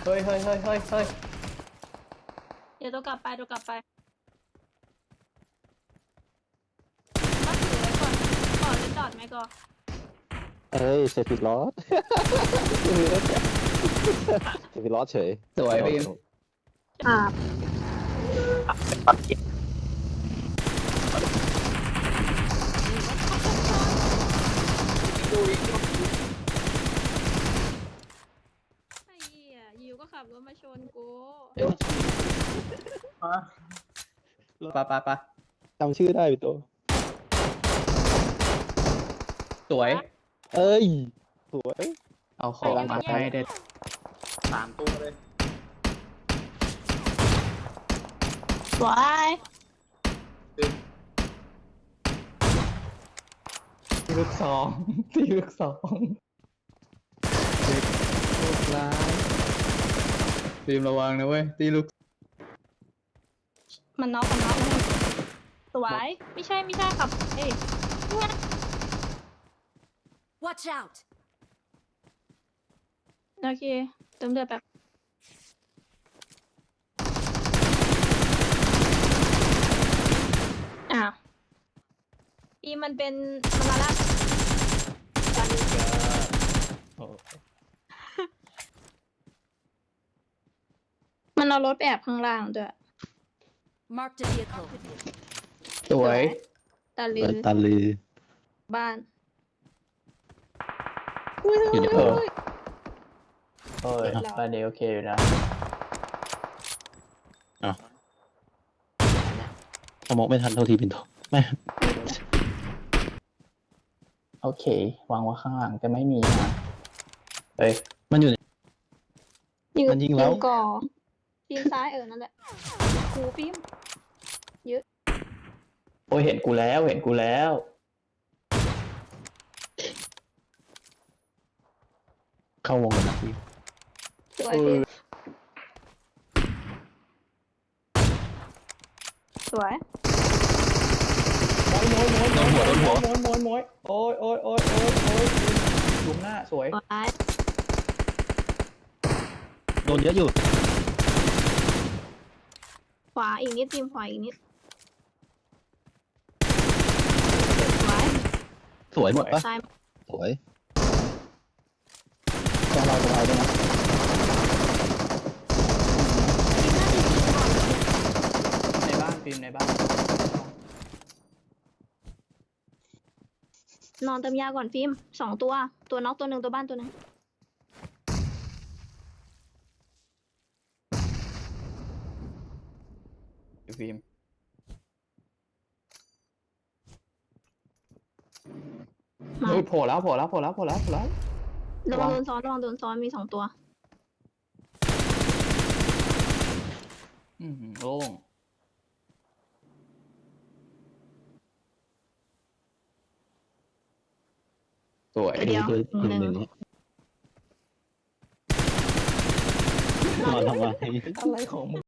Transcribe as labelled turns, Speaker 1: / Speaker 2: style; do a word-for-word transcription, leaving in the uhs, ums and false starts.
Speaker 1: ฮ้ยเฮ้ยเฮ้ยเฮ้ยเฮ้ย
Speaker 2: เดี๋ยวตัวกลับไปตัวกลับไปก็ถือไว้ก่อนก่อนหรือจอดไหมก่อน
Speaker 3: เอ้ยเซฟิลอสเซฟิลอสเฉย
Speaker 1: สวยพี่
Speaker 2: อ่าไอ้เหี้ยอยู่ก็ขับรถมาชนกู
Speaker 1: ปะปะปะ
Speaker 3: จำชื่อได้พี่โต
Speaker 1: สวย
Speaker 3: เอ้ยสวย
Speaker 1: เอาของมาให้เด็ด
Speaker 4: สามตัวเลย
Speaker 2: สวย
Speaker 1: ตีลูกสองตีลูกสองเด็กลูกร้ายตีมระวังนะเว้ยตีลูก
Speaker 2: มันน็อกมันน็อกมันสวยไม่ใช่ไม่ใช่ขับเอ้ยเนี่ย
Speaker 5: Watch out!
Speaker 2: โอเคเติมเลือดแบบอ้าวอีมันเป็นมันมาละ
Speaker 1: โอ้
Speaker 2: มันเอารถไปแอบข้างล่างด้วย
Speaker 5: Marked a vehicle.
Speaker 1: สวย
Speaker 2: ตาลื
Speaker 3: เปิ
Speaker 2: อ
Speaker 3: ดตาลือ
Speaker 2: บ้านอุ้ย
Speaker 3: อยู่ใน
Speaker 2: เฮ้ย
Speaker 3: เออ
Speaker 2: เฮ้ย
Speaker 1: เออบ้านนี้โอเคอยู่นะ
Speaker 3: สมองไม่ทันเท่าทีเป็นโตแม่
Speaker 1: โอเควางไว้ข้างหลังจะไม่มีนะเฮ้ย
Speaker 3: มันอยู่ใน
Speaker 2: ยิง
Speaker 3: มันยิงแล้ว
Speaker 2: ก่อทีมซ้ายเออนั่นแหละคูฟิล์ม
Speaker 1: โอ้ยเห็นกูแล้วเห็นกูแล้ว
Speaker 3: เข้าวงกันนะพี่
Speaker 2: สวยฟิล์มสวย
Speaker 1: โมยโมยโมยโมยโมยโมยโมยโมยโอ้ยโอ้ยโอ้ยโอ้ยโอ้ยลุมหน้าสวย
Speaker 2: สวย
Speaker 3: โดนเยอะอยู่
Speaker 2: ขวาอีกนิดฟิล์มขวาอีกนิดสวย
Speaker 3: สวยหมดปะ
Speaker 2: ซ้าย
Speaker 3: สวย
Speaker 1: จะเราจะเราด้วยนะ ในบ้านฟิล์มในบ้าน
Speaker 2: นอนเติมยาก่อนฟิล์มสองตัว ตัวน็อกตัวหนึ่งตัวบ้านตัวหนึ่ง
Speaker 1: ฟิล์ม
Speaker 2: มา
Speaker 1: เฮ้ยโผล่แล้วโผล่แล้วโผล่แล้วโผล่แล้วโผล่แล้ว
Speaker 2: ระวังโดนซ้อนระวังโดนซ้อนมีสองตัว
Speaker 1: อืมโล่งสวย
Speaker 2: เดี๋ยว
Speaker 3: คือ
Speaker 2: หนึ่ง
Speaker 3: หนึ่งนี้นอนทำไม
Speaker 1: อะไรของมึง